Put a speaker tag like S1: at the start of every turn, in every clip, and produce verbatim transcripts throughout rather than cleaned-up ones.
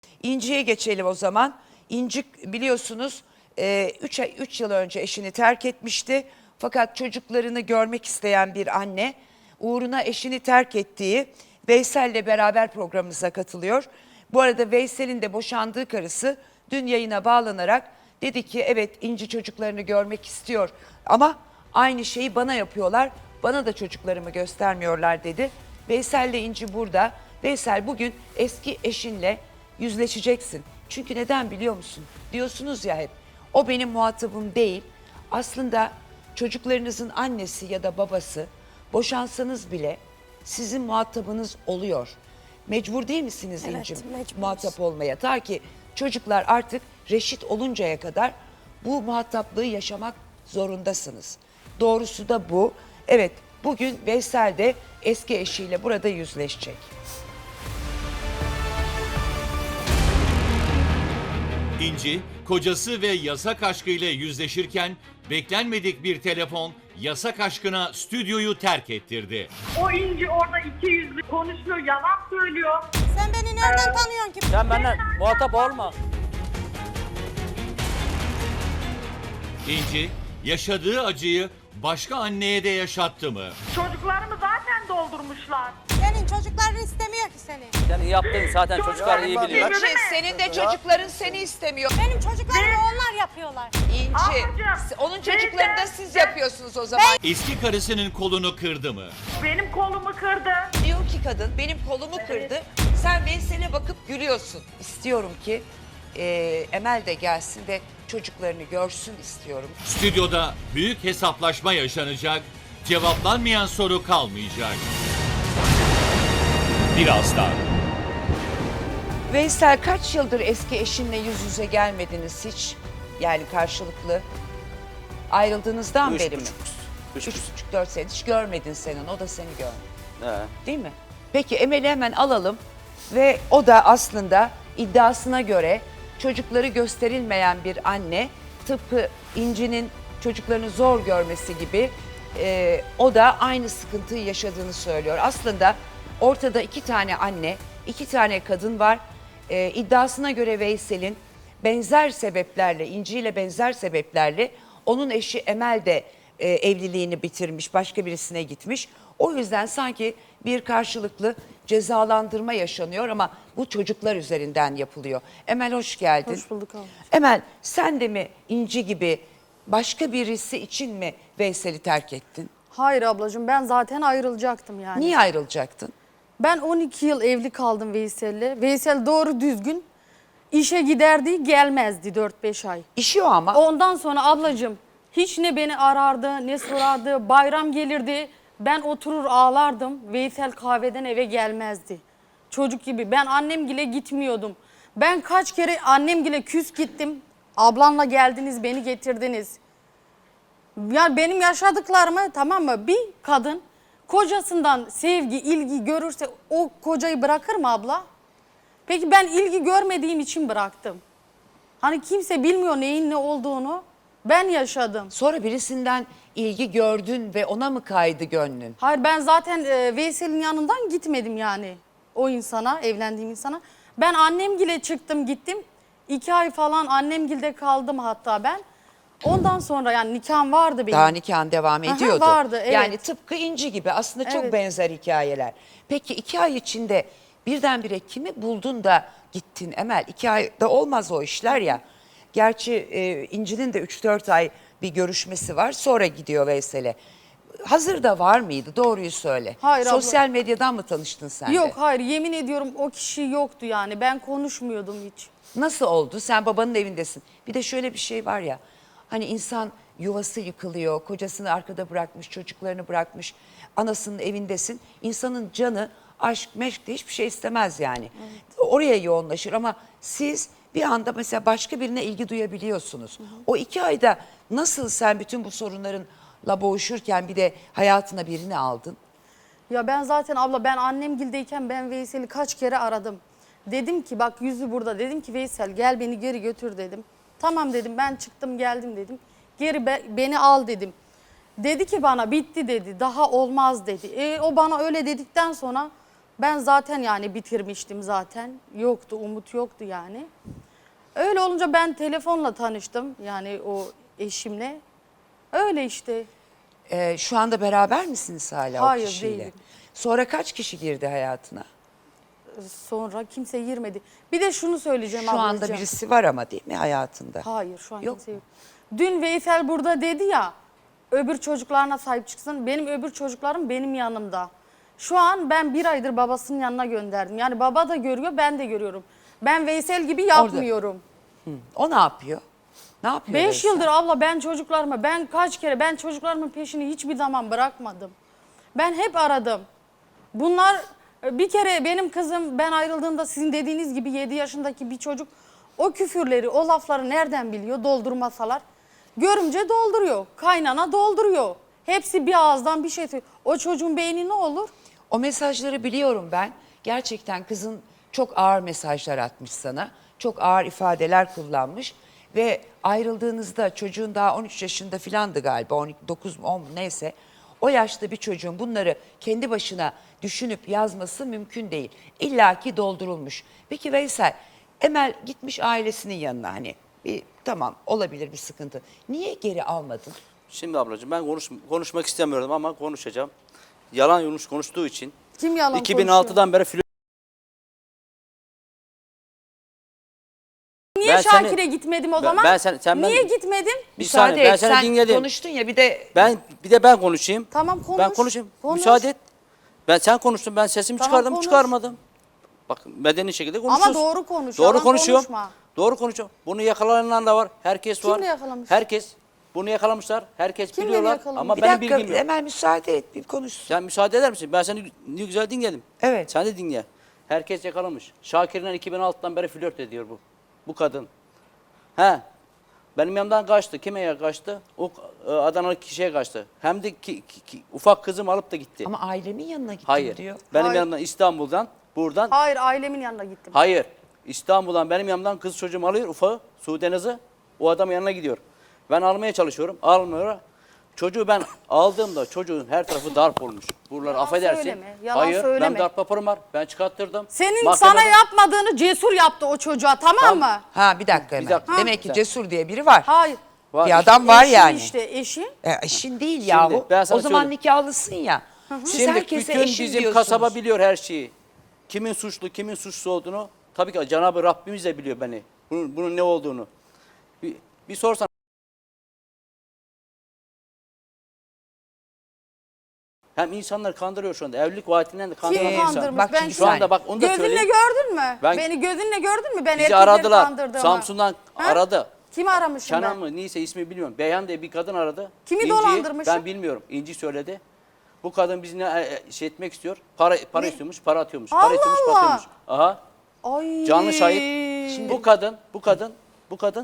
S1: İnci'ye geçelim o zaman. İnci biliyorsunuz üç yıl önce eşini terk etmişti. Fakat çocuklarını görmek isteyen bir anne uğruna eşini terk ettiği Veysel'le beraber programımıza katılıyor. Bu arada Veysel'in de boşandığı karısı dün yayına bağlanarak dedi ki evet İnci çocuklarını görmek istiyor ama aynı şeyi bana yapıyorlar. Bana da çocuklarımı göstermiyorlar dedi. Veysel'le İnci burada. Veysel bugün eski eşinle yüzleşeceksin. Çünkü neden biliyor musun? Diyorsunuz ya hep o benim muhatabım değil. Aslında çocuklarınızın annesi ya da babası boşansanız bile sizin muhatabınız oluyor. Mecbur değil misiniz
S2: Evet,
S1: İnci'm
S2: mecburuz.
S1: muhatap olmaya? Ta ki çocuklar artık reşit oluncaya kadar bu muhataplığı yaşamak zorundasınız. Doğrusu da bu. Evet, bugün Veysel de eski eşiyle burada yüzleşecek.
S3: İnci, kocası ve yasak aşkıyla yüzleşirken beklenmedik bir telefon yasak aşkına stüdyoyu terk ettirdi.
S4: O İnci orada iki yüzlü konuşuyor, yalan söylüyor.
S2: Sen beni nereden tanıyorsun ki?
S5: Sen benden muhatap olma.
S3: İnci, yaşadığı acıyı başka anneye de yaşattı mı?
S4: Çocuklarımı zaten doldurmuşlar.
S2: Senin çocukların istemiyor ki seni.
S5: Sen iyi yaptın zaten çocuklar iyi biliyor.
S1: İnci senin de çocukların seni istemiyor.
S2: Benim çocuklarımı onlar yapıyorlar.
S1: İnci,
S4: Ablacığım,
S1: onun çocuklarını da
S4: ben-
S1: siz
S4: ben-
S1: yapıyorsunuz o zaman.
S3: Eski karısının kolunu kırdı mı?
S4: Benim kolumu kırdı.
S1: Diyor ki kadın benim kolumu kırdı. Sen Veysel'e bakıp gülüyorsun. İstiyorum ki e, Emel de gelsin ve çocuklarını görsün istiyorum.
S3: Stüdyoda büyük hesaplaşma yaşanacak, cevaplanmayan soru kalmayacak. Birazdan.
S1: Veysel kaç yıldır eski eşinle yüz yüze gelmediniz hiç? Yani karşılıklı ayrıldığınızdan
S5: Üç
S1: beri mi?
S5: buçuk.
S1: Üç
S5: Üç
S1: buçuk dört sene hiç görmedin senin, o da seni görmedi.
S5: He.
S1: Değil mi? Peki Emel'i hemen alalım ve o da aslında iddiasına göre çocukları gösterilmeyen bir anne, tıpkı İnci'nin çocuklarını zor görmesi gibi e, o da aynı sıkıntıyı yaşadığını söylüyor. Aslında ortada iki tane anne, iki tane kadın var. E, iddiasına göre Veysel'in benzer sebeplerle, İnci ile benzer sebeplerle onun eşi Emel de e, evliliğini bitirmiş, başka birisine gitmiş. O yüzden sanki bir karşılıklı cezalandırma yaşanıyor ama bu çocuklar üzerinden yapılıyor. Emel hoş geldin.
S6: Hoş bulduk abla.
S1: Emel sen de mi İnci gibi başka birisi için mi Veysel'i terk ettin?
S6: Hayır ablacığım, ben zaten ayrılacaktım yani.
S1: Niye ayrılacaktın?
S6: Ben on iki yıl evli kaldım Veysel'le. Veysel doğru düzgün işe giderdi, gelmezdi dört beş ay.
S1: İşi o ama.
S6: Ondan sonra ablacığım hiç ne beni arardı ne sorardı. Bayram gelirdi, ben oturur ağlardım. Veysel kahveden eve gelmezdi. Çocuk gibi. Ben annemgile gitmiyordum. Ben kaç kere annemgile küs gittim. Ablanla geldiniz, beni getirdiniz. Ya benim yaşadıklarımı, tamam mı, bir kadın kocasından sevgi, ilgi görürse o kocayı bırakır mı abla? Peki ben ilgi görmediğim için bıraktım. Hani kimse bilmiyor neyin ne olduğunu. Ben yaşadım.
S1: Sonra birisinden ilgi gördün ve ona mı kaydı gönlün?
S6: Hayır, ben zaten e, Veysel'in yanından gitmedim yani o insana, evlendiğim insana. Ben annemgile çıktım gittim. İki ay falan annemgilde kaldım hatta ben. Ondan sonra yani nikahım vardı benim.
S1: Daha nikahın devam
S6: Aha,
S1: ediyordu.
S6: vardı, evet.
S1: Yani tıpkı İnci gibi aslında çok
S6: Evet.
S1: benzer hikayeler. Peki iki ay içinde birdenbire kimi buldun da gittin Emel? İki ayda olmaz o işler ya. Gerçi e, İnci'nin de üç dört ay bir görüşmesi var, sonra gidiyor Veysel'e. Hazırda var mıydı? Doğruyu söyle.
S6: Hayır abla.
S1: Sosyal medyadan mı tanıştın sen de?
S6: Yok hayır, yemin ediyorum o kişi yoktu yani, ben konuşmuyordum hiç.
S1: Nasıl oldu? Sen babanın evindesin. Bir de şöyle bir şey var ya. Hani insan yuvası yıkılıyor, kocasını arkada bırakmış, çocuklarını bırakmış, anasının evindesin. İnsanın canı aşk, meşk de hiçbir şey istemez yani. Evet. Oraya yoğunlaşır ama siz bir anda mesela başka birine ilgi duyabiliyorsunuz. Hı hı. O iki ayda nasıl sen bütün bu sorunlarınla boğuşurken bir de hayatına birini aldın?
S6: Ya ben zaten abla, ben annemgildeyken ben Veysel'i kaç kere aradım. Dedim ki bak yüzü burada, dedim ki Veysel gel beni geri götür dedim. Tamam dedim, ben çıktım geldim dedim. Geri be, beni al dedim. Dedi ki bana bitti dedi, daha olmaz dedi. E, o bana öyle dedikten sonra Ben zaten yani bitirmiştim zaten. Yoktu, umut yoktu yani. Öyle olunca ben telefonla tanıştım yani o eşimle. Öyle işte.
S1: Ee, şu anda beraber misiniz hala
S6: Hayır,
S1: o kişiyle?
S6: değilim.
S1: Sonra kaç kişi girdi hayatına?
S6: Sonra kimse girmedi. Bir de şunu söyleyeceğim
S1: Şu
S6: ablacığım.
S1: anda birisi var ama değil mi hayatında?
S6: Hayır şu an
S1: Yok
S6: kimse
S1: mu?
S6: yok. Dün Veysel burada dedi ya öbür çocuklarına sahip çıksın. Benim öbür çocuklarım benim yanımda. Şu an ben bir aydır babasının yanına gönderdim. Yani baba da görüyor ben de görüyorum. Ben Veysel gibi yapmıyorum.
S1: O ne yapıyor? Ne yapıyor?
S6: Beş
S1: Veysel?
S6: yıldır abla ben çocuklarıma ben kaç kere ben çocuklarımın peşini hiçbir zaman bırakmadım. Ben hep aradım. Bunlar bir kere benim kızım ben ayrıldığımda sizin dediğiniz gibi yedi yaşındaki bir çocuk o küfürleri o lafları nereden biliyor doldurmasalar. Görümce dolduruyor kaynana dolduruyor. Hepsi bir ağızdan bir şey söylüyor. O çocuğun beyni ne olur?
S1: O mesajları biliyorum ben. Gerçekten kızın çok ağır mesajlar atmış sana. Çok ağır ifadeler kullanmış. Ve ayrıldığınızda çocuğun daha on üç yaşında filandı galiba. on iki, dokuz, on neyse. O yaşta bir çocuğun bunları kendi başına düşünüp yazması mümkün değil. İlla ki doldurulmuş. Peki Veysel, Emel gitmiş ailesinin yanına hani. Bir, tamam olabilir bir sıkıntı. Niye geri almadın?
S5: Şimdi ablacığım ben konuş, konuşmak istemiyordum ama konuşacağım. Yalan yanlış konuştuğu için
S6: Kim yalan
S5: iki bin altıdan beri flört.
S6: Niye
S5: Ben seni-
S6: Şakir'e gitmedim o
S5: Ben-
S6: zaman?
S5: ben sen- sen ben-
S6: Niye gitmedim?
S5: Bir
S1: Müsaade
S5: saniye ben
S1: et,
S5: seni
S1: sen
S5: dinledim.
S1: konuştun ya bir de
S5: Ben bir de ben konuşayım.
S6: Tamam, konuş.
S5: Ben konuşayım.
S6: Konuş.
S5: Müsaade et. Ben sen konuştun ben sesimi
S6: Tamam,
S5: çıkardım
S6: konuş.
S5: çıkarmadım. Bak medeni şekilde konuşuyoruz.
S6: doğru konuş,
S5: Doğru
S6: yalan
S5: konuşuyorum.
S6: konuşma.
S5: Doğru konuşuyorum. Bunu yakalanan da var. Herkes var.
S6: Kim yakalamış?
S5: Herkes. Bunu yakalamışlar. Herkes
S6: Kim beni
S5: biliyorlar
S6: yakalamış?
S5: ama
S1: bir
S5: benim
S1: dakika
S5: bilgim yok.
S1: Emel müsaade et bir konuşsun.
S5: Sen müsaade eder misin? Ben seni ne güzel dinledim.
S1: Evet.
S5: Sen de dinle. Herkes yakalamış. Şakir'le iki bin altıdan beri flört ediyor bu. Bu kadın. He. Benim yanımdan kaçtı. Kime kaçtı? O e, Adanalı kişiye kaçtı. Hem de ki, ki- ki- ufak kızım alıp da gitti.
S1: Ama ailemin yanına gittim
S5: Hayır.
S1: diyor.
S5: Benim
S6: Hayır.
S5: yanımdan İstanbul'dan buradan.
S6: Hayır ailemin yanına gittim.
S5: Hayır. İstanbul'dan benim yanımdan kız çocuğumu alıyor ufağı. Sudenaz'ı. O adamın yanına gidiyor. Ben almaya çalışıyorum. Almıyor. Çocuğu ben aldığımda çocuğun her tarafı darp olmuş. Buraları
S6: Yalan
S5: affedersin.
S6: söyleme, yalan
S5: Hayır.
S6: söyleme.
S5: Ben darp raporum var. Ben çıkarttırdım.
S6: Senin
S5: Mahkemede-
S6: sana yapmadığını Cesur yaptı o çocuğa tamam,
S5: Tamam.
S6: mı?
S1: Ha bir dakika Emel.
S5: dakika.
S1: Demek ki
S5: Sen-
S1: Cesur diye biri var.
S6: Hayır.
S5: Var
S1: Bir
S5: işte.
S1: adam var
S6: Eşin
S1: yani.
S6: işte eşin.
S1: E, eşin değil yahu.
S5: ben sana
S1: O zaman
S5: söyleyeyim.
S1: nikahlısın ya. Siz
S5: Şimdi
S1: herkese
S5: bütün
S1: eşim
S5: bizim
S1: diyorsunuz.
S5: kasaba biliyor her şeyi. Kimin suçlu, kimin suçsuz olduğunu. Tabii ki Cenab-ı Rabbimiz de biliyor beni. Bunun, bunun ne olduğunu. Bir, bir sorsan. Hem insanlar kandırıyor şu anda. Evlilik vaatinden de kandırıyor
S6: Kim
S5: insan.
S6: kandırmış?
S1: Bak
S6: ben
S1: şimdi
S5: Şu anda bak onu da
S6: Gözünle
S5: söyleyeyim.
S6: gördün mü?
S5: Ben-
S6: Beni gözünle gördün mü? Ben
S5: Bizi
S6: erkekleri
S5: aradılar.
S6: kandırdığımı.
S5: Samsun'dan
S6: Ha?
S5: aradı.
S6: Kimi aramışım
S5: Kenan
S6: ben?
S5: mı neyse ismi bilmiyorum. Beyhan diye bir kadın aradı.
S6: Kimi
S5: İnci'yi
S6: dolandırmışım?
S5: Ben bilmiyorum. İnci söyledi. Bu kadın bizi ne e, şey etmek istiyor. Para para istiyormuş, para atıyormuş. Para
S6: Allah
S5: istiyormuş, para
S6: Allah.
S5: atıyormuş. Aha.
S6: Ay.
S5: Canlı şahit. Şimdi bu kadın, bu kadın, bu kadın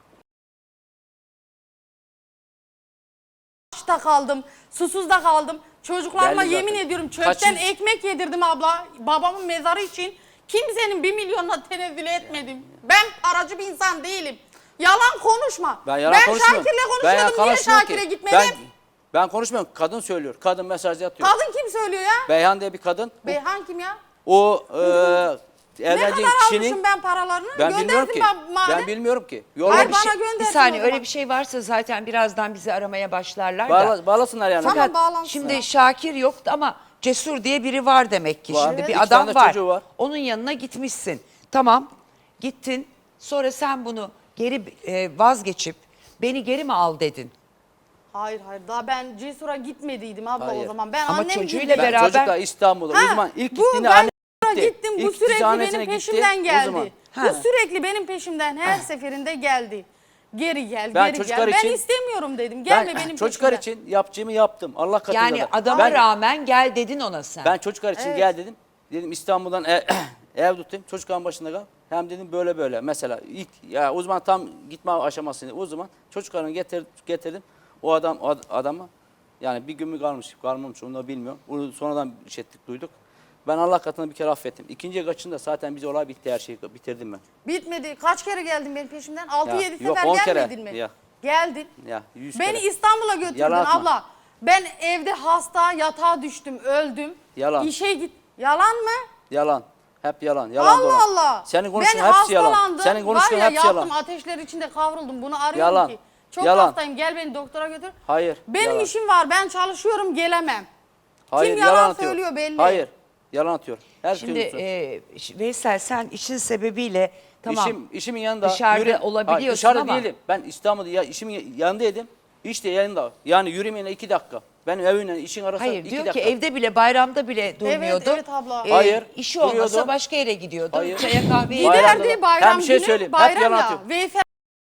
S6: Açta kaldım, susuz da kaldım. Çocuklarıma
S5: Belli
S6: yemin
S5: zaten.
S6: ediyorum çöpten
S5: Kaçıncı-
S6: ekmek yedirdim abla. Babamın mezarı için kimsenin bir milyonuna tenezzül etmedim. Ben paracı bir insan değilim. Yalan konuşma.
S5: ben yalan konuşmuyorum.
S6: Şakir'le
S5: Ben yalan
S6: konuşuyordum. Niye
S5: konuşmuyorum
S6: Şakir'e
S5: ki.
S6: gitmedim?
S5: Ben, ben konuşmuyorum. Kadın söylüyor. Kadın mesaj atıyor.
S6: Kadın kim söylüyor ya?
S5: Beyhan diye bir kadın. Bu-
S6: Beyhan kim ya?
S5: O e,
S6: Ne
S5: evleneceği
S6: kadar
S5: kişinin
S6: almışım ben paralarını?
S5: ben bilmiyorum
S6: Gönderdim
S5: ki.
S6: ben madem.
S5: Ben bilmiyorum ki. Yolla
S6: Hayır,
S5: bir
S6: bana
S5: şey.
S6: göndersin
S1: Bir saniye
S6: o zaman.
S1: öyle bir şey varsa zaten birazdan bizi aramaya başlarlar da.
S5: Bağla, bağlasınlar yani.
S6: Tamam.
S1: Fakat
S6: bağlansın.
S1: şimdi Şakir yoktu ama Cesur diye biri var demek ki.
S5: Var.
S1: Şimdi
S5: Evet.
S1: bir
S5: İki
S1: adam
S5: tane
S1: var.
S5: çocuğu var.
S1: Onun yanına gitmişsin. Tamam gittin sonra sen bunu geri e, vazgeçip beni geri mi al dedin?
S6: Hayır hayır daha ben Cesur'a gitmediydim abla
S5: Hayır.
S6: o zaman. Ben
S1: Ama
S6: annem
S1: çocuğuyla
S6: gibi-
S5: Ben
S1: beraber-
S5: çocukla İstanbul'da. O
S6: Ha,
S5: zaman ilk
S6: bu
S5: gittiğinde
S6: ben
S5: anne
S6: Cesur'a
S5: gitti.
S6: gittim. Bu
S5: İlk
S6: sürekli
S5: annesine
S6: benim
S5: gitti.
S6: peşimden
S5: O
S6: geldi.
S5: zaman.
S6: Bu
S1: Ha.
S6: sürekli benim peşimden her seferinde geldi. Geri gel,
S5: Ben
S6: geri
S5: çocuklar
S6: gel.
S5: için-
S6: Ben istemiyorum dedim. Gelme
S5: Ben
S6: benim
S5: çocuklar
S6: peşimden.
S5: için yapacağımı yaptım. Allah katında.
S1: Yani
S5: da.
S1: adama
S5: ben,
S1: rağmen gel dedin ona sen.
S5: Ben çocuklar için
S6: Evet.
S5: gel dedim. Dedim İstanbul'dan ev, ev tutayım. Çocukların başında kal. Hem dedim böyle böyle. Mesela ilk ya o zaman tam gitme aşamasında. O zaman çocuklarını getir, getirdim. O adam o ad- adamı yani bir gün mü kalmış kalmamış onu da bilmiyorum. Onu sonradan işittik duyduk. Ben Allah katında bir kere affettim. İkinci kaçında zaten bize olay bitti her şeyi bitirdim ben.
S6: Bitmedi. Kaç kere geldin benim peşimden? altı
S5: Ya,
S6: yedi
S5: yok,
S6: sefer
S5: on kere.
S6: gelmedin mi?
S5: Ya.
S6: Geldin.
S5: Ya yüz
S6: Beni
S5: kere.
S6: İstanbul'a götürdün
S5: Yalan atma.
S6: abla. Ben evde hasta, yatağa düştüm, öldüm.
S5: Yalan.
S6: İşe git. Yalan mı?
S5: Yalan. Hep yalan. Yalan
S6: Allah
S5: dolan.
S6: Allah.
S5: Senin konuştuğun
S6: ben
S5: hepsi yalan.
S6: hastalandım.
S5: Senin konuştuğun
S6: Var ya,
S5: hepsi yalan.
S6: yaktım, ateşler içinde kavruldum. Bunu arıyorum
S5: Yalan.
S6: ki. Çok
S5: Yalan.
S6: hastayım, gel beni doktora götür.
S5: Hayır.
S6: Benim
S5: yalan.
S6: işim var, ben çalışıyorum, gelemem.
S5: Hayır,
S6: Kim yalan
S5: atıyor.
S6: söylüyor belli.
S5: Hayır. Yalan atıyor. Her
S1: Şimdi
S5: şey
S1: e, Veysel sen işin sebebiyle tamam
S5: İşim, işimin yanında.
S1: dışarıda olabiliyorsun
S5: Hayır, dışarıda
S1: ama-
S5: değilim. Ben İstanbul'da ya, işimin yanındaydım. İşte yanında. Yani yürümeyle iki dakika. Benim evimle işin arasında
S1: hayır
S5: iki
S1: diyor
S5: dakika.
S1: ki evde bile bayramda bile durmuyordu.
S6: evet abla.
S1: E,
S5: Hayır,
S1: işi olmasa
S5: duruyordu.
S1: başka yere gidiyordu.
S5: Hayır.
S1: Çaya kahveye
S5: Bayramda
S6: Giderdi
S5: da-
S6: bayram
S5: Ben bir şey
S6: günü,
S5: söyleyeyim, hep
S6: bayram
S5: yalan
S6: ya.
S5: atıyor.
S6: Veysel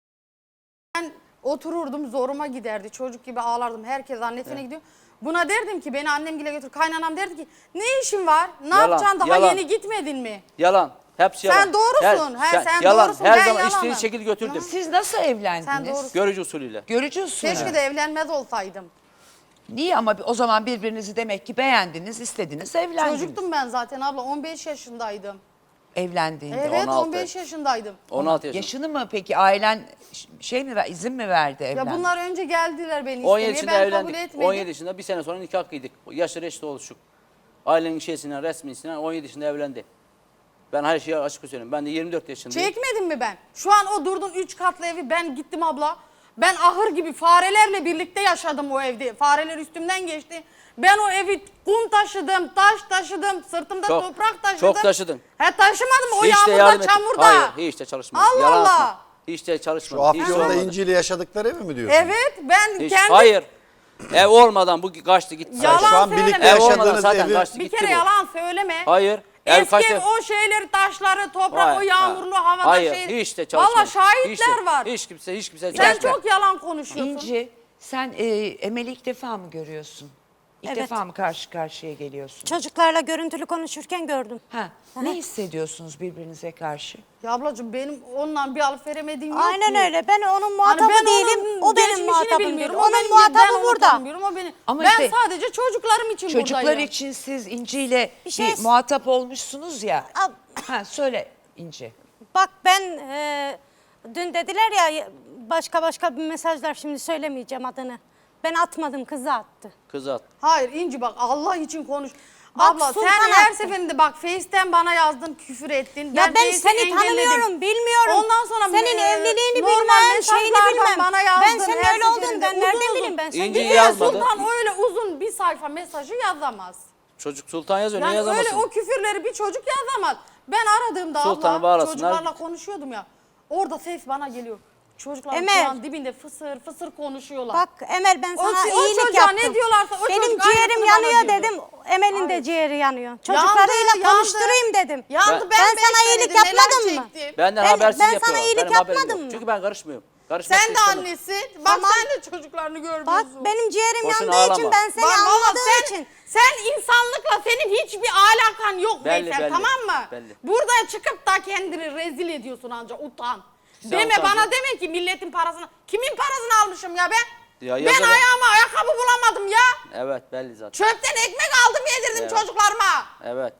S6: ben otururdum, zoruma giderdi. Çocuk gibi ağlardım. Herkes annesine gidiyor. Buna derdim ki beni annemgile götür. Kaynanam derdi ki ne işin var? Ne
S5: Yalan,
S6: yapacaksın? Daha
S5: yalan.
S6: yeni gitmedin mi?
S5: Yalan. Hepsi
S6: Sen
S5: yalan.
S6: doğrusun. He, sen
S5: yalan.
S6: doğrusun,
S5: Her
S6: ben
S5: zaman
S6: yalanım.
S5: istediği şekilde götürdüm.
S1: Siz nasıl evlendiniz?
S6: Sen doğrusun.
S5: Görücü usulüyle.
S1: Görücü usulü.
S6: Keşke de evlenmez olsaydım.
S1: Niye ama o zaman birbirinizi demek ki beğendiniz, istediniz, evlendiniz.
S6: Çocuktum ben zaten abla. on beş yaşındaydım.
S1: Evlendiğinde.
S6: Evet
S5: on altı.
S6: on beş yaşındaydım.
S5: on altı yaşında.
S1: Yaşını mı peki ailen ş- şey mi ver- izin mi verdi evlen?
S6: Ya bunlar önce geldiler beni
S5: on
S6: istemeye.
S5: yedi yaşında
S6: Ben kabul
S5: evlendik.
S6: etmedim.
S5: on yedi yaşında bir sene sonra nikah kıydık. Yaşı reşit oluşuk. Ailenin şeysinden, resmisinden on yedi yaşında evlendi. Ben her şeyi açık söyleyeyim. Ben de yirmi dört yaşındayım.
S6: Çekmedim mi ben? Şu an o durdun üç katlı evi ben gittim abla. Ben ahır gibi farelerle birlikte yaşadım o evde. Fareler üstümden geçti. Ben o evi kum taşıdım, taş taşıdım, sırtımda
S5: Çok-
S6: toprak taşıdım.
S5: çok taşıdın.
S6: He taşımadım o
S5: Hiç de yardım
S6: yağmurda,
S5: et-
S6: çamurda.
S5: Hayır, hiç de çalışmadım.
S6: Allah
S5: Yalan
S6: Allah.
S5: atma. Hiç de çalışmadım.
S7: Şu
S5: Hiç
S7: Afyon'da
S5: olmadı.
S7: İnci ile yaşadıkları evi mi diyorsun?
S6: Evet ben
S5: Hiç-
S6: kendim
S5: Hayır. Ev olmadan bu kaçtı gitti.
S6: Yalan
S7: Şu an
S6: söyleme.
S7: birlikte
S5: Ev olmadan
S7: yaşadığınız
S5: zaten
S7: evi
S5: kaçtı
S6: bir
S5: gitti
S6: kere
S5: bu.
S6: yalan söyleme.
S5: Hayır. Ev
S6: Eski
S5: kaçtı.
S6: ev, o şeyleri, taşları, toprak,
S5: Hayır,
S6: o yağmurlu
S5: ha.
S6: havada
S5: Hayır,
S6: şey.
S5: hiç de çalışmadım.
S6: Valla şahitler
S5: Hiç de-
S6: var.
S5: Hiç kimse, hiç kimse
S6: Sen
S5: çalışmadı.
S6: çok yalan konuşuyorsun.
S1: İnci sen e, Emel'i ilk defa mı görüyorsun? İlk
S2: Evet.
S1: defa mı karşı karşıya geliyorsun?
S2: Çocuklarla görüntülü konuşurken gördüm.
S1: Ha, ne hissediyorsunuz birbirinize karşı?
S6: Ya ablacığım benim onunla bir alıp veremediğim yok
S2: Aynen
S6: ki.
S2: öyle. Ben onun
S6: Hani
S2: muhatabı
S6: ben
S2: değilim.
S6: onun
S2: O benim
S6: geçmişini
S2: muhatabım değil.
S6: bilmiyorum. O
S2: Onun
S6: benim- ben
S2: muhatabı
S6: onu
S2: burada.
S6: tanımıyorum, o benim.
S1: Ama
S6: ben
S1: işte-
S6: sadece çocuklarım için
S1: Çocuklar
S6: buradayım.
S1: için siz İnci ile bir,
S2: Bir şey-
S1: muhatap olmuşsunuz ya.
S2: Ab-
S1: Ha, söyle İnci.
S2: Bak ben e, dün dediler ya başka başka bir mesajlar, şimdi söylemeyeceğim adını. Ben atmadım, kızı attı.
S5: Kızı at.
S6: Hayır İnci bak Allah için konuş.
S2: Bak,
S6: Abla
S2: Sultan
S6: sen her
S2: attı.
S6: seferinde bak Face'ten bana yazdın, küfür ettin.
S2: Ya ben
S6: Face'i
S2: seni
S6: engelledim.
S2: tanımıyorum, bilmiyorum.
S6: Ondan sonra
S2: senin
S6: e,
S2: evliliğini
S6: normal
S2: bilmem, şeyini
S6: mesajlardan
S2: bilmem.
S6: Bana yazdın,
S2: Ben senin
S6: her
S2: öyle olduğunu
S6: seferinde
S2: ben
S6: uzun
S2: nereden
S6: uzun.
S2: bileyim, ben
S5: İnci
S2: seni
S6: Bir de
S5: yazmadı.
S6: Sultan öyle uzun bir sayfa mesajı yazamaz.
S5: Çocuk Sultan yazıyor. ne
S6: Yani öyle
S5: yazamazsın?
S6: o küfürleri bir çocuk yazamaz. Ben aradığımda
S5: Sultan'ı
S6: abla
S5: bağlasınlar.
S6: çocuklarla konuşuyordum ya. Orada ses bana geliyor. Çocuklar
S2: Emel.
S6: şu an dibinde fısır fısır konuşuyorlar.
S2: Bak Emel, ben
S6: O-
S2: sana
S6: o
S2: iyilik
S6: çocuğa
S2: yaptım.
S6: ne diyorlarsa o
S2: Benim
S6: çocuk
S2: ciğerim
S6: aynısını
S2: yanıyor
S6: bana diyordu.
S2: dedim. Emel'in de
S6: Hayır.
S2: ciğeri yanıyor.
S6: Yandı,
S2: Çocuklarıyla
S6: yandı.
S2: konuşturayım dedim.
S6: Yandı,
S5: Ben-
S6: ben,
S2: Ben
S6: beş
S2: sana
S6: senedir
S2: iyilik
S6: neler
S2: yapmadım mı?
S6: çektim.
S5: Benden
S2: Ben-
S5: habersiz
S2: ben sana
S5: yapıyorlar.
S2: iyilik
S5: Benim haberim
S2: yapmadım
S5: yok.
S2: mı?
S5: Çünkü ben karışmıyorum. Karışmak
S6: Sen de
S5: istemem.
S6: annesin. Bak
S2: Tamam.
S6: sen de çocuklarını görmüyorsun.
S2: Bak benim ciğerim
S5: Boşuna
S2: yandığı
S5: ağlama.
S2: için, ben seni
S6: Bak valla
S2: anladığım
S6: sen,
S2: için.
S6: sen insanlıkla senin hiçbir alakan yok
S5: Belli,
S6: Veysel,
S5: belli,
S6: tamam mı?
S5: belli.
S6: Burada çıkıp da kendini rezil ediyorsun anca, utan.
S5: Sen
S6: deme
S5: utancın.
S6: bana deme ki milletin parasını. Kimin parasını almışım ya ben?
S5: Ya
S6: ben
S5: yazarım.
S6: ayağıma ayakkabı bulamadım ya.
S5: Evet belli zaten.
S6: Çöpten ekmek aldım yedirdim
S5: Evet.
S6: çocuklarıma.
S5: Evet.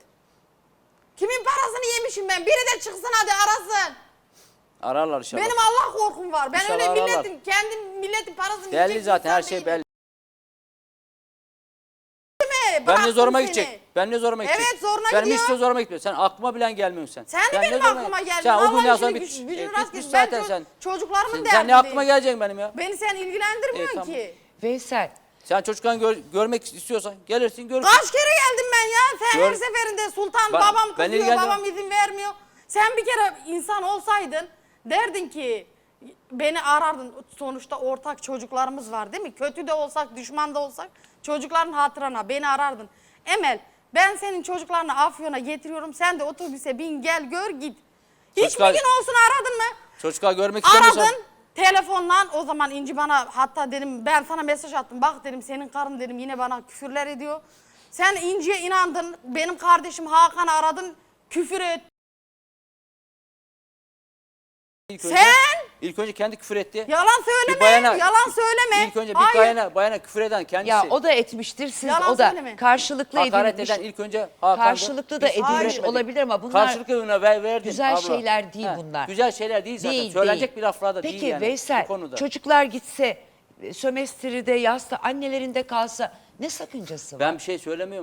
S6: Kimin parasını yemişim ben? Biri de çıksın hadi arasın.
S5: Ararlar inşallah.
S6: Benim Allah korkum var. Ben
S5: İnşallah
S6: öyle
S5: ararlar.
S6: milletin, kendi milletin parasını
S5: Belli
S6: yiyecek
S5: zaten her
S6: insan
S5: şey
S6: değilim.
S5: belli.
S6: Mi?
S5: Ben
S6: Bıraktım
S5: ne zoruma
S6: seni.
S5: gidecek? Ben ne zoruma gidecek?
S6: Evet, zoruna
S5: Benim
S6: gidiyor.
S5: hiç de zoruma gitmiyor. Sen aklıma bilen gelmiyorsun sen.
S6: Sen de
S5: Ben ne
S6: benim
S5: zoruma-
S6: aklıma geldin.
S5: Sen o
S6: Allah
S5: günden sonra
S6: işini
S5: bit,
S6: güç- gücünü
S5: e,
S6: rast
S5: bitmiş
S6: getir. Ben
S5: zaten
S6: ço-
S5: sen.
S6: çocuklarımın
S5: Sen,
S6: derdindeyim.
S5: sen ne aklıma geleceksin benim ya?
S6: Beni sen ilgilendirmiyor
S5: E, tamam.
S6: ki.
S1: Veysel,
S5: Sen çocuklarını gör- görmek istiyorsan gelirsin görürsün.
S6: Kaç kere geldim ben ya? Sen
S5: Gör-
S6: her seferinde Sultan
S5: Ben-
S6: babam
S5: ben
S6: kızıyor,
S5: ilgilendim-
S6: babam izin vermiyor. Sen bir kere insan olsaydın derdin ki beni arardın. Sonuçta ortak çocuklarımız var değil mi? Kötü de olsak, düşman da olsak çocukların hatırına beni arardın. Emel, ben senin çocuklarını Afyon'a getiriyorum. Sen de otobüse bin, gel gör git. Hiçbir
S5: Çocuklar-
S6: gün olsun aradın mı?
S5: Çocuklar görmek istemiyorsan.
S6: Aradın telefonla, o zaman İnci bana hatta dedim ben sana mesaj attım. Bak dedim senin karın dedim yine bana küfürler ediyor. Sen İnci'ye inandın. Benim kardeşim Hakan'ı aradın. Küfür et.
S5: İlk önce,
S6: Sen
S5: ilk önce kendi küfür etti.
S6: yalan söyleme.
S5: Bir bayana-
S6: yalan söyleme.
S5: İlk önce bir
S6: Hayır.
S5: bayana, bayana küfür eden kendisi.
S1: ya o da etmiştir, siz
S6: Yalan
S1: o da
S6: söyleme.
S1: karşılıklı
S5: Hakaret
S1: edilmiş.
S5: eden ilk önce Hakan'dı.
S1: Karşılıklı da
S5: Biz
S1: edilmiş
S5: hayır demedik.
S1: olabilir ama bunlar
S5: Karşılıklı ona ver, verdin
S1: güzel
S5: abla.
S1: şeyler değil
S5: He,
S1: bunlar.
S5: Güzel şeyler değil zaten.
S1: Değil,
S5: Söylenecek
S1: değil.
S5: bir laflar da
S1: Peki
S5: değil yani.
S1: Veysel,
S5: bu konuda.
S1: çocuklar gitse, e, sömestride, yazda annelerinde kalsa ne sakıncası var?
S5: Ben bir şey söylemiyorum.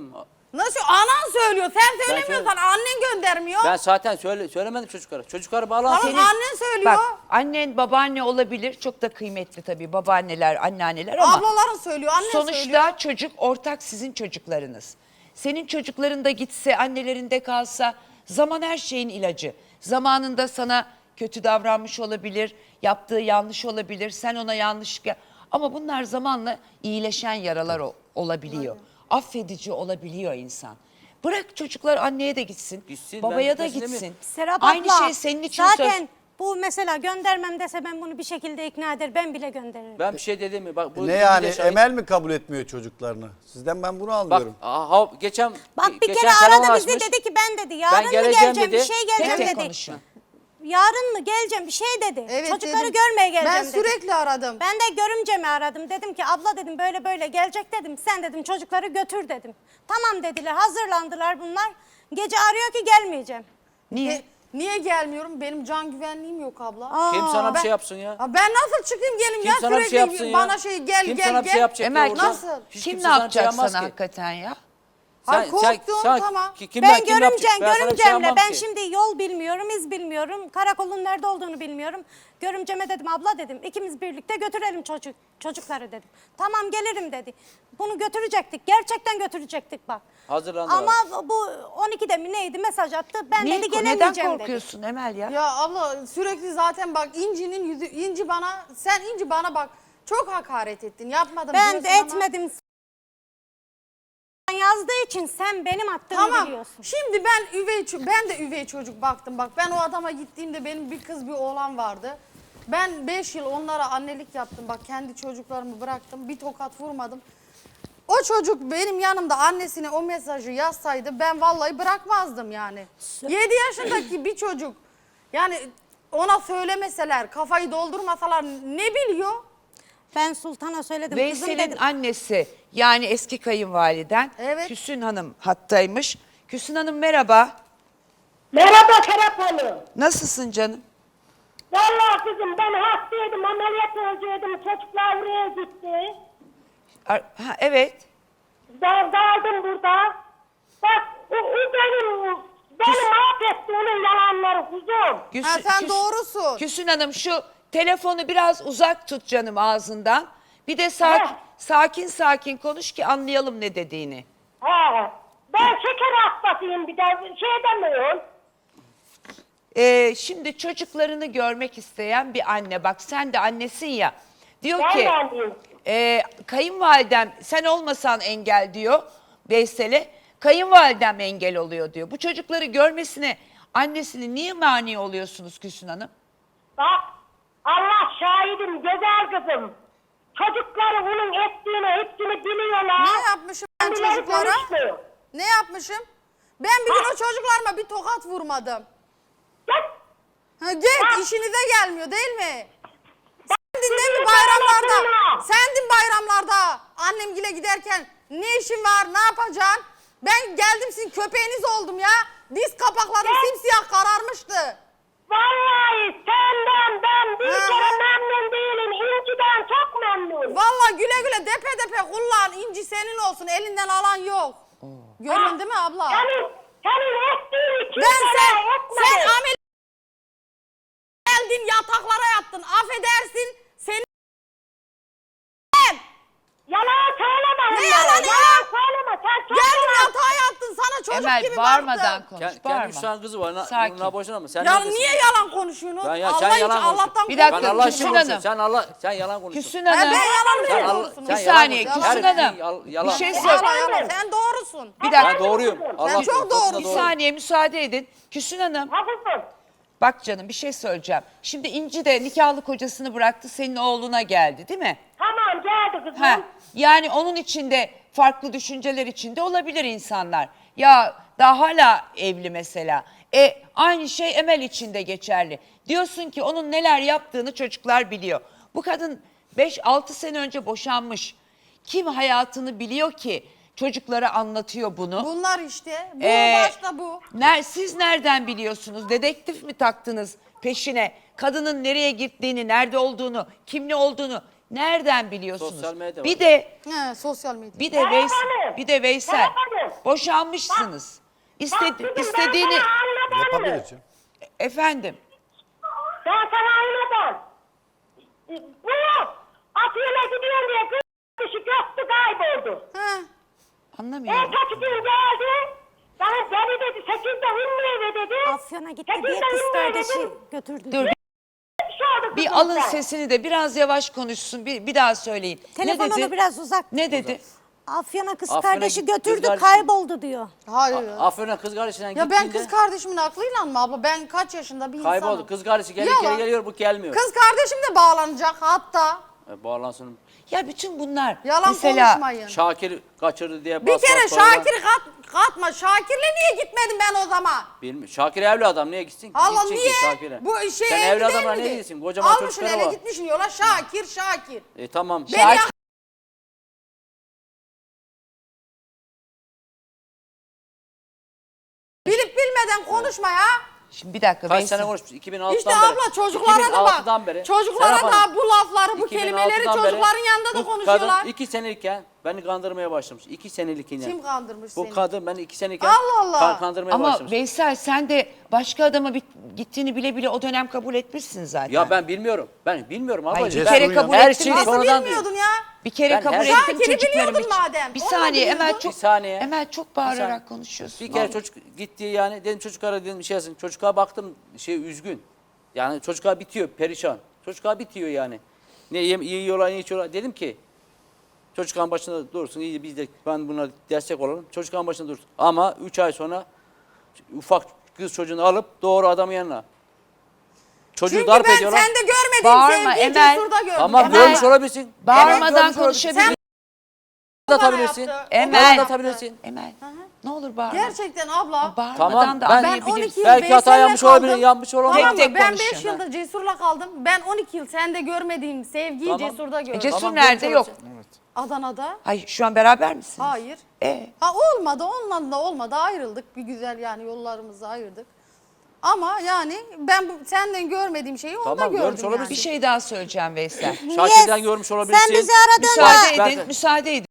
S6: Nasıl? Anan söylüyor. Sen söylemiyorsan
S5: söyle-
S6: annen göndermiyor.
S5: Ben zaten söyle, söylemedim çocuklara. Çocukları bağlansın.
S6: Tamam, annen söylüyor.
S1: Bak annen babaanne olabilir. Çok da kıymetli tabii babaanneler, anneanneler ama
S6: Ablaların söylüyor, annen
S1: sonuçta
S6: söylüyor.
S1: çocuk ortak sizin çocuklarınız. Senin çocukların da gitse, annelerinde kalsa zaman her şeyin ilacı. Zamanında sana kötü davranmış olabilir, yaptığı yanlış olabilir, sen ona yanlış... Ama bunlar zamanla iyileşen yaralar o- olabiliyor. Affedici olabiliyor insan. Bırak çocuklar anneye de gitsin,
S5: Gitsin,
S1: babaya
S5: ben
S1: da
S5: gitmesini
S1: gitsin.
S5: mi?
S2: Serap
S1: Aynı
S2: abla,
S1: şey senin için
S2: zaten
S1: söz.
S2: bu mesela göndermem dese ben bunu bir şekilde ikna eder. Ben bile gönderirim.
S5: Ben bir şey dedim mi? Bak, bu
S7: Ne yani
S5: bir de şahit-
S7: Emel mi kabul etmiyor çocuklarını? Sizden ben bunu
S5: Bak
S7: anlıyorum.
S5: aha, geçen
S2: Bak bir
S5: geçen
S2: kere
S5: telefon
S2: aradı bizi
S5: açmış.
S2: dedi ki ben dedi yarın mı
S5: geleceğim
S2: geleceğim
S5: dedi.
S2: bir şey
S1: Tek
S2: geleceğim
S1: tek
S2: dedi.
S1: konuşun.
S2: Yarın mı geleceğim bir şey dedi.
S6: Evet,
S2: Çocukları
S6: dedim.
S2: görmeye geleceğim
S6: Ben
S2: dedi.
S6: sürekli aradım.
S2: Ben de görümcemi aradım. Dedim ki abla dedim böyle böyle gelecek dedim. Sen dedim çocukları götür dedim. Tamam dediler, hazırlandılar bunlar. Gece arıyor ki gelmeyeceğim.
S1: Niye?
S6: E, niye gelmiyorum? Benim can güvenliğim yok abla.
S2: Aa,
S5: Kim sana bir
S6: ben-
S5: şey yapsın ya?
S6: Ya ben nasıl çıkayım gelin
S5: Kim
S6: ya
S5: sana bir
S6: sürekli
S5: şey yapsın ya?
S6: bana şey gel
S5: Kim
S6: gel
S5: sana
S6: gel.
S5: bir şey yapacak
S1: Emel
S5: ya orada?
S6: Nasıl?
S5: Hiç
S1: kim
S5: kimse
S1: ne
S5: sana bir
S1: yapacak
S5: şey yapmaz
S1: sana
S5: ki.
S1: hakikaten ya?
S6: Ay, korktum, tamam.
S5: ki- kimden-
S2: Ben
S5: kim yapacak?
S2: görümcem,
S5: Ben sana bir şey
S2: görümcemle
S5: yapmam
S2: ben
S5: ki.
S2: şimdi yol bilmiyorum, iz bilmiyorum. Karakolun nerede olduğunu bilmiyorum. Görümceme dedim abla dedim ikimiz birlikte götürelim çocuk çocukları dedim. Tamam gelirim dedi. Bunu götürecektik. Gerçekten götürecektik bak.
S5: Hazırlandı
S2: Ama
S5: abi.
S2: bu on ikide mi neydi mesaj attı. Ben
S1: Niye,
S2: dedi
S1: neden
S2: gelemeyeceğim dedi.
S1: korkuyorsun Emel ya?
S6: Ya abla sürekli zaten bak İnci'nin yüzü İnci bana sen İnci bana bak çok hakaret ettin. Yapmadım
S2: Ben de
S6: diyorsun ama-
S2: etmedim. Yazdığı için sen benim attığımı
S6: Tamam.
S2: biliyorsun.
S6: Şimdi ben üvey ço- ben de üvey çocuk baktım. Bak ben o adama gittiğimde benim bir kız bir oğlan vardı. Ben beş yıl onlara annelik yaptım. Bak kendi çocuklarımı bıraktım. Bir tokat vurmadım. O çocuk benim yanımda annesine o mesajı yazsaydı ben vallahi bırakmazdım yani. yedi yaşındaki bir çocuk yani ona söylemeseler, kafayı doldurmasalar ne biliyor?
S2: Ben Sultan'a söyledim kızım
S1: Veysel'in
S2: dedim.
S1: annesi yani eski kayınvaliden
S6: Evet.
S1: Küsün Hanım hattaymış. Küsün Hanım merhaba.
S8: Merhaba Serap Hanım.
S1: Nasılsın canım?
S8: Vallahi kızım ben hastaydım, ameliyat olacaktım. Çocuklar buraya gitti.
S1: Ar- Ha, evet.
S8: Ben kaldım burada. Bak o, o benim, beni mahvetti onun yalanları kuzum.
S1: Küsün-
S6: Ha, sen
S1: Küs-
S6: doğrusun.
S1: Küsün Hanım şu telefonu biraz uzak tut canım ağzından. Bir de sak-
S8: Heh.
S1: sakin sakin konuş ki anlayalım ne dediğini.
S8: He. Ben şeker hastasıyım bir de şey demiyorum.
S1: Ee, şimdi çocuklarını görmek isteyen bir anne, bak sen de annesin ya, diyor
S8: Ben
S1: ki
S8: de anneyim.
S1: e, kayınvalidem sen olmasan engel diyor Veysel'e, kayınvalidem engel oluyor diyor. Bu çocukları görmesine annesini niye mani oluyorsunuz Küsün Hanım?
S8: Bak Allah şahidim güzel kızım. Çocukları onun ettiğini hepsini biliyorlar.
S6: Ne yapmışım ben
S8: Kendileri
S6: çocuklara?
S8: konuşmuyor.
S6: Ne yapmışım? Ben bir gün o çocuklarıma bir tokat vurmadım.
S8: Gel.
S6: Ha, git
S8: Ha.
S6: işinize gelmiyor değil mi? Sendin değil mi
S8: Sizin
S6: bayramlarda?
S8: bayramlarına.
S6: Sendin bayramlarda annemgile giderken ne işin var ne yapacaksın? Ben geldim sizin köpeğiniz oldum ya. Diz kapaklarım
S8: Gel.
S6: simsiyah kararmıştı.
S8: Vallahi senden ben bir
S6: Hı
S8: kere
S6: hı.
S8: memnun değilim. İnciden çok memnun.
S6: Vallahi güle güle depe depe kullan inci senin olsun elinden alan yok. Görüyorsun değil mi abla?
S8: Senin, senin ettiğini kimse
S6: Ben sen,
S8: etmedi.
S6: sen amel geldin yataklara yattın affedersin seni
S8: Yalan söyleme.
S6: Ne
S8: onlara,
S6: yalanı ya?
S8: Yalan söyleme. Sen çok
S6: geldin
S8: yalan.
S6: yatağa yattın sana çocuk
S1: Emel
S6: gibi
S1: bağırmadan
S6: baktım.
S1: konuş,
S5: Kendi,
S1: bağırma.
S5: kendi üç tane kızı var. Na,
S1: Sakin.
S5: Bununla boşuna mı? Sen
S6: Ya
S5: neredesin?
S6: niye yalan konuşuyorsun?
S5: Ben ya,
S6: Allah
S5: sen
S6: için
S5: yalan konuşuyorsun.
S6: Allah'tan
S1: Bir dakika,
S5: Ben Allah
S1: Küsün
S5: için
S1: Hanım.
S5: konuşuyorum. Sen Allah sen yalan konuşuyorsun.
S1: Küsün
S6: Ha,
S1: Hanım.
S6: ben yalan
S5: Sen,
S6: mı
S5: Allah,
S6: konuşuyorsun?
S5: sen
S1: Bir
S5: yalan
S1: saniye,
S5: konuşuyorsun.
S1: Küsün
S5: Her
S1: Hanım.
S5: şey yal-
S1: Bir
S5: yalan.
S1: şey
S6: Yalan,
S1: söyle.
S6: yalan. Sen doğrusun.
S1: Bir dakika.
S5: Ben doğruyum. Allah
S6: çok
S5: aşkına,
S6: doğrusun.
S5: doğru.
S1: Bir saniye müsaade edin. Küsün Hanım.
S8: Haklısın.
S1: Bak canım bir şey söyleyeceğim. Şimdi İnci de nikahlı kocasını bıraktı senin oğluna geldi değil mi?
S8: Tamam geldi kızım.
S1: Ha, yani onun içinde farklı düşünceler içinde olabilir insanlar. Ya daha hala evli mesela. E aynı şey Emel için de geçerli. Diyorsun ki onun neler yaptığını çocuklar biliyor. Bu kadın beş altı sene önce boşanmış. Kim hayatını biliyor ki çocuklara anlatıyor bunu?
S6: Bunlar işte. Bu
S1: Ee,
S6: başta bu.
S1: Ner, siz nereden biliyorsunuz? Dedektif mi taktınız peşine? Kadının nereye gittiğini, nerede olduğunu, kimle olduğunu Nereden biliyorsunuz?
S5: Sosyal medya
S1: Bir
S5: var.
S1: de
S6: He, sosyal medya.
S1: bir de Veys
S8: Hanım.
S1: bir de Veysel
S8: Serap Hanım.
S1: boşanmışsınız. İstedi,
S8: Bak kızım,
S1: istediğini
S8: ben sana anladım.
S7: Yapabilir canım.
S1: efendim.
S8: Ben sana anladım. Bu Afyon'a gidiyorum diye kız kişi göktü kayboldu.
S6: He.
S1: Anlamıyorum.
S8: Ertesi gün geldi. Bana deli dedi. Sekizde Ümmü eve dedi.
S2: Afyon'a gitti diye
S8: Sekizde
S2: kız
S8: Ümmü eve
S2: kardeşi
S8: dedi.
S2: götürdü.
S1: Dur
S2: diyor.
S8: Bir şey oldu
S1: bir
S8: kızım
S1: alın
S8: sen.
S1: sesini de biraz yavaş konuşsun. Bir, bir daha söyleyin.
S2: Telefonunu
S1: ne dedi?
S2: biraz uzak.
S1: Ne dedi?
S2: Afyon'a kız
S5: Afyon'a
S2: kardeşi
S5: gitti, kız
S2: götürdü
S5: kardeşi-
S2: kayboldu diyor.
S6: Hayır.
S5: Afyon'a kız kardeşinden
S6: Ya ben
S5: gittiğinde
S6: kız kardeşimin aklıyla mı abla? Ben kaç yaşında bir insanım.
S5: kayboldu. Kız kardeşi geri
S6: Yalan.
S5: geri geliyor, bu gelmiyor.
S6: Kız kardeşim de bağlanacak hatta.
S5: E, bağlansın.
S1: Ya bütün bunlar
S6: Yalan
S1: mesela
S6: konuşmayın.
S5: Şakir kaçırdı diye
S6: Bir
S5: bas
S6: kere
S5: bas bağıran-
S6: Şakir'i kat, katma. Şakir'le niye gitmedim ben o zaman?
S5: Bilmiyorum. Şakir evli adam, niye gitsin?
S6: Allah
S5: Gitsin ki
S6: niye?
S5: Şakir'e.
S6: Bu şey
S5: Sen
S6: evli
S5: evli
S6: değil
S5: adamla
S6: miydi?
S5: niye gitsin? Kocaman
S6: Almışsın
S5: çocukları
S6: eve
S5: var.
S6: gitmişsin yola Şakir Şakir.
S5: E tamam.
S6: Beni
S1: Şakir-
S6: yak- Bilip bilmeden konuşma ya.
S1: Şimdi bir dakika
S5: Kaç
S1: Veysel.
S5: sene konuşmuş? iki bin altıdan
S6: İşte
S5: beri.
S6: abla çocuklara da
S5: iki bin altıdan
S6: bak.
S5: beri.
S6: Çocuklara
S5: Serap
S6: da
S5: Hanım,
S6: bu lafları, bu
S5: iki bin
S6: kelimeleri
S5: altıdan beri
S6: çocukların yanında da
S5: bu
S6: konuşuyorlar.
S5: kadın iki senelikken beni kandırmaya başlamış. iki senelikken.
S6: Kim kandırmış
S5: Bu
S6: seni?
S5: kadın beni iki senelikken
S6: Allah Allah.
S5: kan- kandırmaya
S1: Ama
S5: başlamış.
S1: Veysel sen de başka adama bit- gittiğini bile bile o dönem kabul etmişsin zaten.
S5: Ya ben bilmiyorum. Ben bilmiyorum
S1: Hayır,
S5: ablacığım.
S1: bir
S5: Ben-
S1: kere kabul
S5: her
S1: ettin
S5: şeyi
S1: mi?
S6: Nasıl
S5: sonradan
S6: bilmiyordun
S5: diyor.
S6: ya?
S1: Bir kere
S5: Ben
S1: kabul
S5: her-
S1: ettim
S6: Şakir'i
S1: çocuklarım
S6: biliyordun
S1: için.
S6: madem,
S1: Bir
S6: onu
S1: saniye
S6: da
S1: Emel
S6: biliyordun.
S1: çok,
S5: Bir saniye.
S1: Emel çok
S5: Bir
S1: bağırarak
S5: saniye.
S1: konuşuyorsun.
S5: Bir kere
S1: Vallahi.
S5: çocuk gitti yani dedim çocuklara dedim şey yazın. Çocuğa baktım şey üzgün. Yani çocuğa bitiyor perişan. Çocuğa bitiyor yani. Ne yem, iyi yiyorlar ne içiyorlar. Dedim ki çocukların başında dursun. İyi biz de ben buna destek olalım. Çocukların başında dursun. Ama üç ay sonra ufak kız çocuğunu alıp doğru adamın yanına. Çocuğu
S6: Çünkü
S5: darp
S6: ben
S5: ediyorlar.
S6: sende görmediğim
S1: Bağırma,
S6: sevgiyi
S1: Emel.
S6: Cesur'da gördüm.
S5: Tamam
S1: Emel.
S5: görmüş olabilirsin.
S1: Bağırmadan
S5: görmüş olabilirsin.
S1: konuşabilir.
S6: Sen
S5: da atabilirsin.
S6: bana yaptı.
S1: Emel.
S6: O
S5: Bana
S6: bana
S5: da
S6: yaptı.
S5: atabilirsin.
S1: Emel ne olur bağırma.
S6: Gerçekten abla.
S1: Bağırmadan
S5: Tamam,
S1: da
S5: ben-
S6: Ben
S1: anlayabilirsin.
S6: on iki yıl
S5: Belki hata
S6: Veysel'le
S5: yapmış
S6: kaldım.
S5: olabilir, yapmış olabilir.
S6: Tamam
S1: Tek
S6: mı?
S1: tek
S6: Ben
S1: konuşun.
S6: beş yıldır Cesur'la kaldım. Ben on iki yıl sende görmediğim sevgiyi
S5: Tamam.
S6: Cesur'da gördüm.
S1: E, Cesur
S5: Tamam,
S1: nerede? Yok.
S5: görmüş
S6: Adana'da.
S1: Hayır şu an beraber misiniz?
S6: Hayır.
S1: E,
S6: Ha olmadı, onunla da olmadı. Ayrıldık. Bir güzel yani yollarımızı ayırdık. Ama yani ben bu, senden görmediğim şeyi onda
S5: Tamam, görmüş
S6: gördüm
S5: olabilir.
S6: yani.
S1: bir şey daha söyleyeceğim Veysel.
S5: Şakir'den görmüş olabilirsin.
S2: Sen bizi aradın
S1: Müsaade
S5: Ben-
S1: edin,
S5: ben-
S1: müsaade edin.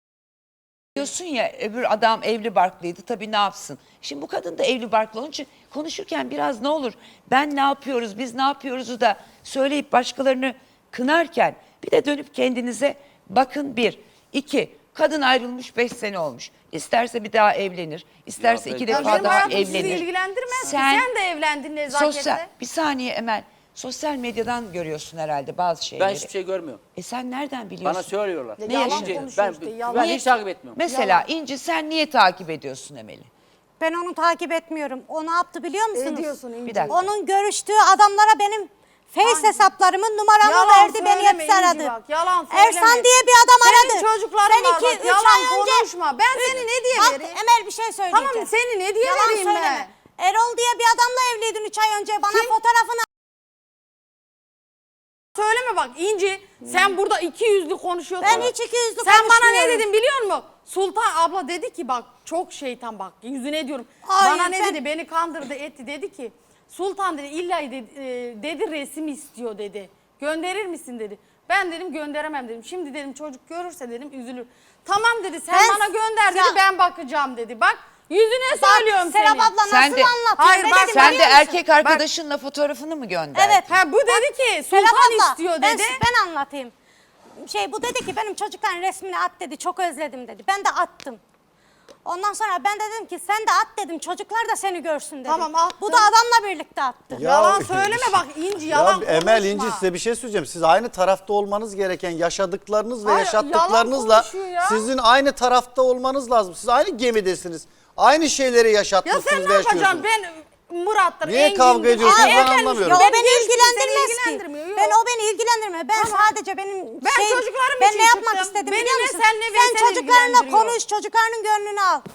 S1: Diyorsun ya öbür adam evli barklıydı tabii ne yapsın. Şimdi bu kadın da evli barklı onun için konuşurken biraz ne olur ben ne yapıyoruz biz ne yapıyoruzu da söyleyip başkalarını kınarken bir de dönüp kendinize bakın bir. İki kadın ayrılmış beş sene olmuş. İsterse bir daha evlenir. İsterse
S5: Ya
S1: iki
S5: belki-
S6: Ya
S1: defa
S6: benim
S1: daha
S6: hayatım sizi
S1: evlenir.
S6: ilgilendirmez ki.
S1: Sen-
S6: Sen de evlendin nezaketle.
S1: Sosyal, bir saniye Emel. Sosyal medyadan görüyorsun herhalde bazı şeyleri.
S5: Ben hiçbir şey görmüyorum.
S1: E sen nereden biliyorsun?
S5: Bana söylüyorlar.
S6: Ya
S1: Ne
S6: yalan
S1: yaşıyor?
S6: konuşuyor
S5: Ben,
S6: işte, yalan.
S5: ben
S1: Niye-
S5: hiç takip etmiyorum.
S1: Mesela İnci sen niye takip ediyorsun Emel'i?
S2: Ben onu takip etmiyorum. O ne yaptı biliyor musunuz?
S6: Ediyorsun İnci.
S1: Bir dakika.
S2: Onun görüştüğü adamlara benim Face hesaplarımın numaramı
S6: Yalan
S2: verdi, beni
S6: söyleme
S2: hepsi
S6: İnci
S2: aradı.
S6: bak, yalan söyleme.
S2: Ersan diye bir adam aradı.
S6: Senin çocukların
S2: Ben
S6: var
S2: iki,
S6: bak,
S2: üç
S6: yalan
S2: ay önce-
S6: konuşma. Ben seni ne diye
S2: Bak,
S6: vereyim?
S2: Emel bir şey söyleyeceğim.
S6: Tamam seni ne diye
S2: Yalan
S6: vereyim
S2: söyleme.
S6: ben?
S2: Erol diye bir adamla evliydin üç ay önce. Bana
S6: Kim?
S2: fotoğrafını
S6: Söyleme bak İnci sen burada iki yüzlü konuşuyorsun.
S2: Ben hiç iki yüzlü
S6: Sen bana ne
S2: konuşmuyorum.
S6: dedin biliyor musun? Sultan abla dedi ki bak çok şeytan bak yüzüne diyorum.
S2: Hayır,
S6: bana ne
S2: ben-
S6: dedi beni kandırdı etti dedi ki Sultan dedi illa dedi, e, dedi resim istiyor dedi. Gönderir misin dedi. Ben dedim gönderemem dedim. Şimdi dedim çocuk görürse dedim üzülür. Tamam dedi sen
S2: Ben-
S6: bana gönder dedi
S2: Ya-
S6: ben bakacağım dedi. Bak yüzüne söylüyorum
S2: Serap
S6: seni.
S2: abla nasıl
S1: Sen de-
S2: anlatıyor?
S6: Hayır,
S2: Ne
S6: bak,
S2: dedim
S1: Sen de
S2: biliyor musun?
S1: erkek arkadaşınla fotoğrafını mı gönderdin?
S2: Evet.
S6: Ha, bu dedi ki
S2: Serap
S6: Sultan
S2: abla,
S6: istiyor
S2: ben,
S6: dedi.
S2: ben anlatayım. Şey bu dedi ki benim çocukların resmini at dedi. Çok özledim dedi. Ben de attım. Ondan sonra ben de dedim ki sen de at dedim. Çocuklar da seni görsün dedim.
S6: Tamam, attım.
S2: Bu da adamla birlikte attı.
S7: Ya-
S6: Yalan söyleme bak İnci yalan
S7: Ya Emel
S6: konuşma.
S7: İnci size bir şey söyleyeceğim. Siz aynı tarafta olmanız gereken yaşadıklarınız ve
S6: Hayır,
S7: yaşattıklarınızla
S6: yalan konuşuyor ya.
S7: sizin aynı tarafta olmanız lazım. Siz aynı gemidesiniz. Aynı şeyleri
S6: Ya
S7: yaşatmışsınız
S6: sen
S7: ve
S6: ne yapacaksın?
S7: yaşıyorsunuz.
S6: Ben Murat'tır,
S7: Niye
S6: Engin'dir.
S7: kavga ediyorsunuz?
S6: Aa,
S7: Ben
S6: evlenmiş.
S7: anlamıyorum.
S2: Ya o
S6: Ben
S2: beni
S6: geçtim,
S2: ilgilendirmez
S6: seni
S2: ki.
S6: ilgilendirmiyor, yok.
S2: Ben o beni ilgilendirmiyor. Ben
S6: Tamam.
S2: sadece benim
S6: Ben
S2: şey,
S6: çocuklarım
S2: ben
S6: için
S2: ne yapmak
S6: çıktım.
S2: istedim
S6: Beni
S2: biliyor
S6: ne
S2: musun?
S6: sen ne
S2: Sen
S6: beni
S2: çocuklarınla
S6: ilgilendiriyor.
S2: konuş, çocuklarının gönlünü al.